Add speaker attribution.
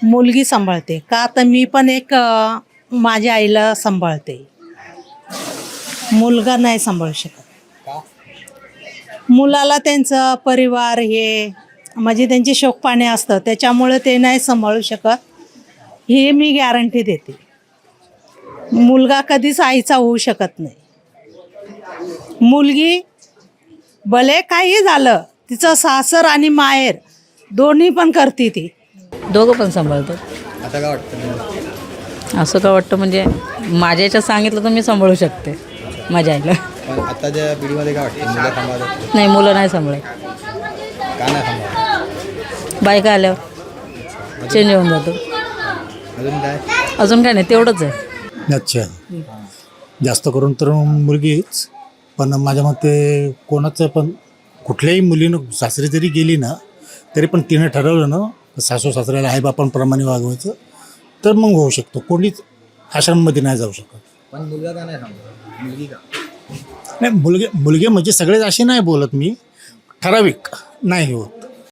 Speaker 1: मुलगी सांभाळते का तर मी पण एक माझ्या आईला सांभाळते. मुलगा नाही सांभाळू शकत.
Speaker 2: का?
Speaker 1: मुलाला त्यांचं परिवार हे म्हणजे त्यांची शोकपाणी असतं त्याच्यामुळे ते नाही सांभाळू शकत हे मी गॅरंटी देते. मुलगा कधीच आईचा होऊ शकत नाही. मुलगी भले काही झालं तिचं सासर आणि माहेर दोन्ही पण करते ती.
Speaker 3: दोघं पण सांभाळतात.
Speaker 2: आता काय वाटतं तुम्हाला?
Speaker 3: असं का वाटतं म्हणजे माझ्या याच्यात सांगितलं तर मी सांभाळू शकते माझ्या आईला.
Speaker 2: पण आताच्या पिढीमध्ये काय वाटतं, मुलं सांभाळतात
Speaker 3: नाही, मुलं नाही सांभाळत.
Speaker 2: का नाही सांभाळत?
Speaker 3: बायका आल्यावर चेंज होऊन जातो.
Speaker 2: अजून काय?
Speaker 3: अजून काय नाही, तेवढंच आहे.
Speaker 4: अच्छा, जास्त करून तर मुलगीच. पण माझ्या मते कोणाचं पण कुठल्याही मुलीनं सासरी जरी गेली ना तरी पण तिनं ठरवलं ना सासू सासऱ्याला आईबापांप्रमाणे वागवायचं तर मग होऊ शकतो. कोणीच आश्रममध्ये नाही जाऊ शकत.
Speaker 2: पण मुलगा का नाही सांभाळत? मुलगी का?
Speaker 4: नाही, मुलगे म्हणजे सगळेच असे नाही बोलत मी, ठराविक नाही होत.